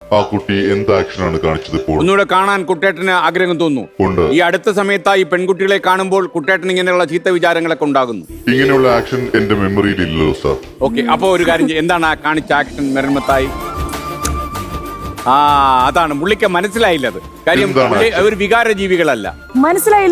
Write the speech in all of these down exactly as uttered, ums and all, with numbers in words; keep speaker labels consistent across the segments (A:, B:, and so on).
A: ആ കുട്ടി എന്ത് ആക്ഷനാണ് കാണിച്ചത്? ഇപ്പോൾ
B: ഒന്നുകൂടെ കാണാൻ കുട്ടേട്ടന് ആഗ്രഹം തോന്നുന്നു. ഈ അടുത്ത സമയത്തായി പെൺകുട്ടികളെ കാണുമ്പോൾ കുട്ടേട്ടൻ ഇങ്ങനെയുള്ള ചീത്ത വിചാരങ്ങളൊക്കെ ഉണ്ടാകുന്നു.
A: ഇങ്ങനെയുള്ള ആക്ഷൻ എന്റെ മെമ്മറിയിൽ ഇല്ലല്ലോ സാർ.
B: ഓക്കെ, അപ്പൊ ഒരു കാര്യം ചെയ്യ്. എന്താണ് ആ കാണിച്ച ആക്ഷൻ മെറിൻമത്തായി? ആ അതാണ് പുള്ളിക്ക് മനസ്സിലായില്ലത്. കാര്യം ഒരു വികാര ജീവികളല്ല.
C: മനസ്സിലായില്ല.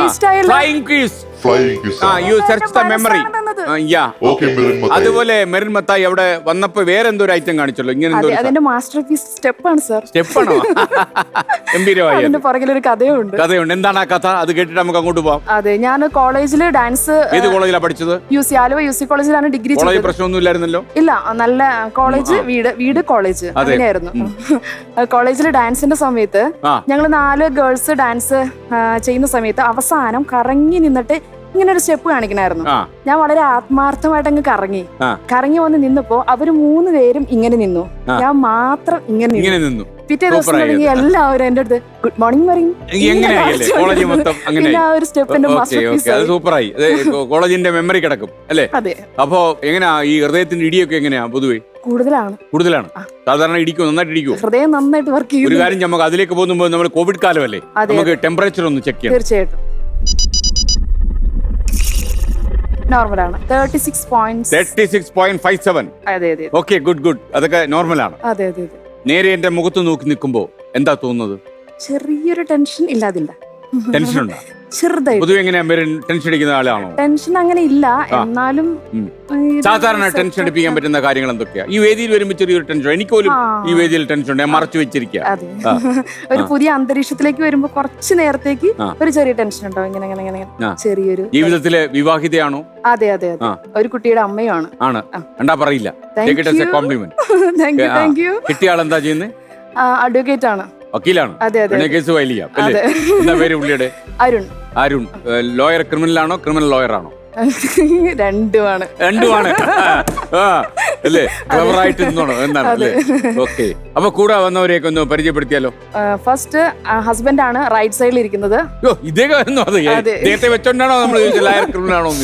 B: അതുപോലെ മെറിൻ മത്തായി അവിടെ വന്നപ്പോ വേറെ എന്തോ ഒരു ഐറ്റം കാണിച്ചല്ലോ. ഇങ്ങനെ
C: അതിന്റെ മാസ്റ്റർ പീസ് സ്റ്റെപ്പാണ് സാർ.
B: സ്റ്റെപ്പാണോ? ഗംഭീരമായി.
C: അതിന്റെ പുറകിലൊരു കഥയുണ്ട്.
B: കഥയുണ്ട്. എന്താണ് ആ കഥ? അത് കേട്ടിട്ട് നമുക്ക് അങ്ങോട്ട് പോവാം.
C: അതെ, ഞാൻ കോളേജില് ഡാൻസ്.
B: ഏത് കോളേജിലാണ് പഠിച്ചത്?
C: U C Aluva U C കോളേജിലാണ് ഡിഗ്രി.
B: കോളേജ് പ്രശ്നമൊന്നും ഇല്ലായിരുന്നല്ലോ?
C: ഇല്ല, നല്ല കോളേജ്, വീട് വീട് കോളേജ് അങ്ങനെയായിരുന്നു. കോളേജില് ഡാൻസിന്റെ സമയത്ത് ഞങ്ങൾ നാല് ഗേൾസ് ഡാൻസ് ചെയ്യുന്ന സമയത്ത് അവസാനം കറങ്ങി നിന്നിട്ട് ഇങ്ങനെ ഒരു സ്റ്റെപ്പ് കാണിക്കണായിരുന്നു. ഞാൻ വളരെ ആത്മാർത്ഥമായിട്ട് അങ്ങ് കറങ്ങി കറങ്ങി വന്ന് നിന്നപ്പോ അവര് മൂന്ന് പേരും ഇങ്ങനെ നിന്നു, ഞാൻ മാത്രം ഇങ്ങനെ നിന്നു. പിറ്റേ ദിവസം തുടങ്ങി എല്ലാവരും എന്റെ അടുത്ത് ഗുഡ് മോർണിംഗ് പറയും. ഒരു സ്റ്റെപ്പിന്റെ
B: സൂപ്പറായി. കോളേജിന്റെ മെമ്മറി കിടക്കും അല്ലേ?
C: അതെ.
B: അപ്പൊ എങ്ങനെയാ ഈ ഹൃദയത്തിന്റെ ഇടിയൊക്കെ എങ്ങനെയാ? പൊതുവെ കൂടുതലാണ് കൂടുതലാണ് സാധാരണ ഇടിക്കും, നന്നായിട്ട് ഇടിക്കും.
C: ഹൃദയം നന്നായിട്ട് വർക്ക് ചെയ്യും.
B: ഒരു കാര്യം നമുക്ക് അതിലേക്ക് പോകുമ്പോൾ നമ്മൾ കോവിഡ് കാലമല്ലേ, നമുക്ക് ടെമ്പറേച്ചർ ഒന്ന് ചെക്ക് ചെയ്യാം.
C: തീർച്ചയായിട്ടും നോർമലാണ്. Thirty six
B: point five seven.
C: അതെ അതെ.
B: Okay, good good. അതൊക്കെ നോർമലാണ്.
C: അതെ അതെ.
B: നേരെ എന്റെ മുഖത്ത് നോക്കി നിൽക്കുമ്പോ എന്താ തോന്നുന്നത്?
C: ചെറിയൊരു ടെൻഷൻ ഇല്ലാതില്ല.
B: ടെൻഷൻ ഉണ്ടോ?
C: ചെറുതായി.
B: പൊതുവെ എങ്ങനെയാ ടെൻഷൻ അടിക്കുന്ന ആളാണോ?
C: ടെൻഷൻ അങ്ങനെ ഇല്ല, എന്നാലും
B: സാധാരണ ടെൻഷൻ അടിപ്പിക്കാൻ പറ്റുന്ന കാര്യങ്ങൾ എന്തൊക്കെയാ? ഈ വേദിയിൽ വരുമ്പോൾ ചെറിയൊരു ടെൻഷൻ. എനിക്ക് പോലും ഈ വേദിയിൽ ടെൻഷൻ ഉണ്ട്, ഞാൻ മറച്ചു വെച്ചിരിക്കുക.
C: ഒരു പുതിയ അന്തരീക്ഷത്തിലേക്ക് വരുമ്പോ കുറച്ച് നേരത്തേക്ക് ഒരു ചെറിയ ടെൻഷൻ ഉണ്ടാവും. ഇങ്ങനെ ഇങ്ങനെ ഇങ്ങനെ ചെറിയൊരു.
B: ജീവിതത്തിലെ വിവാഹിതയാണോ?
C: അതെ അതെ അതെ. ഒരു കുട്ടിയുടെ അമ്മയാണ്.
B: ആണ്. എന്താ പറയില്ല. കോംപ്ലിമെന്റ്. കിട്ടിയ ആൾ എന്താ ചെയ്യുന്നത്?
C: അഡ്വക്കേറ്റ് ആണ്.
B: വക്കീലാണ്.
C: അതെ അതെ.
B: കേസ് ഫയൽ ചെയ്യാം അല്ലേ? എന്താ പേര് പുള്ളിയുടെ?
C: അരുൺ.
B: അരുൺ ലോയർ, ക്രിമിനൽ ആണോ ക്രിമിനൽ ലോയർ ആണോ?
C: രണ്ടുമാണ്.
B: രണ്ടുമാണ് അല്ലേ? ക്ലവറായിട്ട് നിന്നോണോ എന്നാണ് അല്ലേ? ഓക്കെ. അപ്പൊ കൂടെ വന്നവരെയൊക്കെ ഒന്ന് പരിചയപ്പെടുത്തിയാലോ?
C: ഫസ്റ്റ് ഹസ്ബൻഡ് ആണ് റൈറ്റ് സൈഡിൽ ഇരിക്കുന്നത്.
B: ഇദ്ദേഹം ഇദ്ദേഹത്തെ വെച്ചോണ്ടാണോ നമ്മൾ ലോയർ ക്രിമിനൽ ആണോ?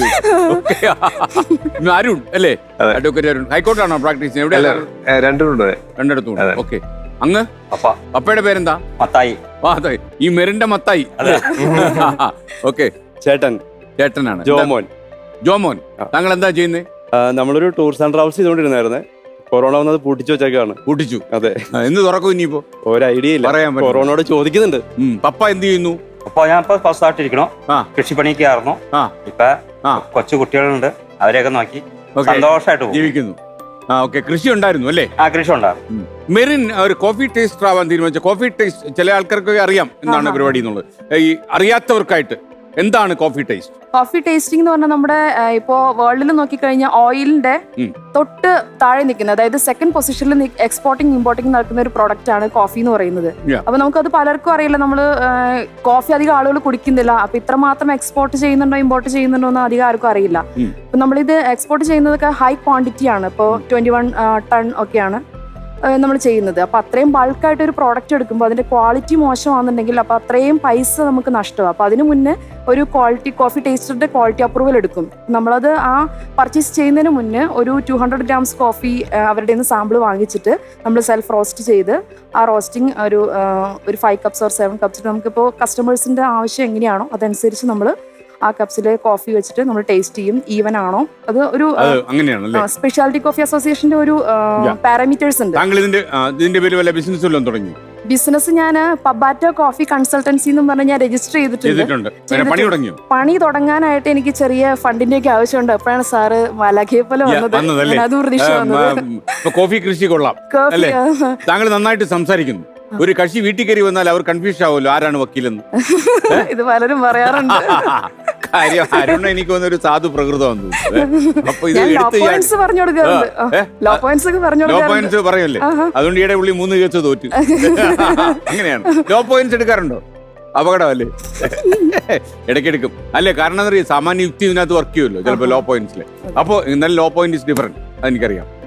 B: അരുൺ അല്ലേ? അഡ്വക്കേറ്റ് അരുൺ. ഹൈക്കോർട്ടാണോ പ്രാക്ടീസ് ചെയ്യുന്നത്? എവിടെ? രണ്ടിടത്തും. ഓക്കെ. അങ്ങ് അപ്പയുടെ പേരെന്താ?
D: മത്തായി.
B: ഈ മെറിന്റെ മത്തായി. ഓക്കെ.
E: ചേട്ടൻ.
B: ചേട്ടനാണ്.
E: ജോമോൻ.
B: ജോമോൻ, താങ്കൾ എന്താ ചെയ്യുന്നത്?
E: നമ്മളൊരു ടൂർസ് ആൻഡ് ട്രാവൽസ് ചെയ്തോണ്ടിരുന്നായിരുന്നേ. കൊറോണ വന്നത് പൂട്ടിച്ചു വെച്ചേക്കാണ്.
B: പൂട്ടിച്ചു.
E: അതെ.
B: എന്ന് തുറക്കും ഇനിയിപ്പോ?
E: ഒരു ഐഡിയ ഇല്ല. പറയാൻ കൊറോണയോട് ചോദിക്കുന്നുണ്ട്.
B: പപ്പ എന്ത് ചെയ്യുന്നു?
D: അപ്പൊ ഞാൻ ഇപ്പൊ ഫസ്റ്റായിട്ടിരിക്കണോ, കൃഷിപ്പണിക്ക് ആയിരുന്നു. ഇപ്പൊ കൊച്ചു കുട്ടികളുണ്ട്, അവരെയൊക്കെ നോക്കി സന്തോഷമായിട്ട്
B: ജീവിക്കുന്നു. ആ ഓക്കെ. കൃഷി ഉണ്ടായിരുന്നു അല്ലേ?
D: ആ കൃഷി ഉണ്ടായിരുന്നു.
B: മെറിൻ ഒരു കോഫി ടേസ്റ്റർ ആവാൻ തീരുമാനിച്ച. കോഫി ടേസ്റ്റ് ചില ആൾക്കാർക്കൊക്കെ അറിയാം എന്താണ് പരിപാടി എന്നുള്ളത്. ഈ അറിയാത്തവർക്കായിട്ട് എന്താണ് കോഫി ടേസ്റ്റ്?
C: കോഫി ടേസ്റ്റിംഗ് എന്ന് പറഞ്ഞാൽ നമ്മുടെ ഇപ്പോ വേൾഡിൽ നോക്കിക്കഴിഞ്ഞാൽ ഓയിലിന്റെ തൊട്ട് താഴെ നിൽക്കുന്നത്, അതായത് സെക്കൻഡ് പൊസിഷനിൽ എക്സ്പോർട്ടിംഗ് ഇമ്പോർട്ടിംഗ് നടക്കുന്ന ഒരു പ്രോഡക്റ്റ് ആണ് കോഫി എന്ന് പറയുന്നത്. അപ്പൊ നമുക്കത് പലർക്കും അറിയില്ല. നമ്മള് കോഫി അധികം ആളുകൾ കുടിക്കുന്നില്ല. അപ്പൊ ഇത്രമാത്രം എക്സ്പോർട്ട് ചെയ്യുന്നുണ്ടോ ഇമ്പോർട്ട് ചെയ്യുന്നുണ്ടോ എന്ന് അധികം ആർക്കും അറിയില്ല. അപ്പൊ നമ്മളിത് എക്സ്പോർട്ട് ചെയ്യുന്നതൊക്കെ ഹൈ ക്വാണ്ടിറ്റി ആണ്. ഇപ്പോൾ ട്വന്റി വൺ ടൺ ഒക്കെയാണ് നമ്മൾ ചെയ്യുന്നത്. അപ്പോൾ അത്രയും ബൾക്കായിട്ട് ഒരു പ്രോഡക്റ്റ് എടുക്കുമ്പോൾ അതിൻ്റെ ക്വാളിറ്റി മോശമാണെന്നുണ്ടെങ്കിൽ അപ്പോൾ അത്രയും പൈസ നമുക്ക് നഷ്ടമാകും. അപ്പോൾ അതിന് മുന്നേ ഒരു ക്വാളിറ്റി കോഫി ടേസ്റ്ററിൻ്റെ ക്വാളിറ്റി അപ്രൂവൽ എടുക്കും. നമ്മളത് ആ പർച്ചേസ് ചെയ്യുന്നതിന് മുന്നേ ഒരു ടു ഹൺഡ്രഡ് ഗ്രാംസ് കോഫി അവരുടെ നിന്ന് സാമ്പിൾ വാങ്ങിച്ചിട്ട് നമ്മൾ സെൽഫ് റോസ്റ്റ് ചെയ്ത് ആ റോസ്റ്റിംഗ് ഒരു ഒരു five cups or seven cups നമുക്കിപ്പോൾ കസ്റ്റമേഴ്സിൻ്റെ ആവശ്യം എങ്ങനെയാണോ അതനുസരിച്ച് നമ്മൾ ആ കപ്സില് കോഫി വെച്ചിട്ട് നമ്മൾ ടേസ്റ്റ് ചെയ്യും. ഈവൻ ആണോ അത് ഒരു സ്പെഷ്യാലിറ്റി കോഫി അസോസിയേഷന്റെ ഒരു പാരാമീറ്റേഴ്സ് ഉണ്ട്. ബിസിനസ് ഞാൻ പബാറ്റോ കോഫി കൺസൾട്ടൻസി എന്ന് പറഞ്ഞ് ഞാൻ രജിസ്റ്റർ ചെയ്തിട്ടുണ്ട്. പണി തുടങ്ങാനായിട്ട് എനിക്ക് ചെറിയ ഫണ്ടിന്റെ ഒക്കെ ആവശ്യമുണ്ട്. അപ്പോഴാണ് സാറ് മലഖയെ പോലെ വന്നത്. അത് പ്രതീക്ഷ വന്നത്.
B: കോഫി കൃഷി കൊള്ളാം. താങ്കൾ നന്നായിട്ട് സംസാരിക്കുന്നു. ഒരു കക്ഷി വീട്ടിൽ കയറി വന്നാൽ അവർ കൺഫ്യൂഷൻ ആവുമല്ലോ, ആരാണ് വക്കീലെന്ന്.
C: ഇത് പലരും പറയാറുണ്ട്.
B: കാര്യം അരുൺ എനിക്ക് വന്നൊരു സാധു പ്രകൃതം. അപ്പൊ ഇത്
C: ലോ പോയിന്റ്സ്
B: പറയല്ലേ? അതുകൊണ്ട് ഈയിടെ പുള്ളി മൂന്ന് കേസ് തോറ്റു. അങ്ങനെയാണ്. Law points എടുക്കാറുണ്ടോ? അപകടമല്ലേ? ഇടയ്ക്കെടുക്കും അല്ലേ? കാരണം എന്താ പറയുക, സാമാന്യ യുക്തി ഇതിനകത്ത് വർക്ക് ചെയ്യുമല്ലോ ചിലപ്പോൾ ലോ പോയിന്റ്സിൽ. അപ്പൊ എന്നാലും ലോ പോയിന്റ് ഇസ് ഡിഫറെന്റ്, അതെനിക്കറിയാം.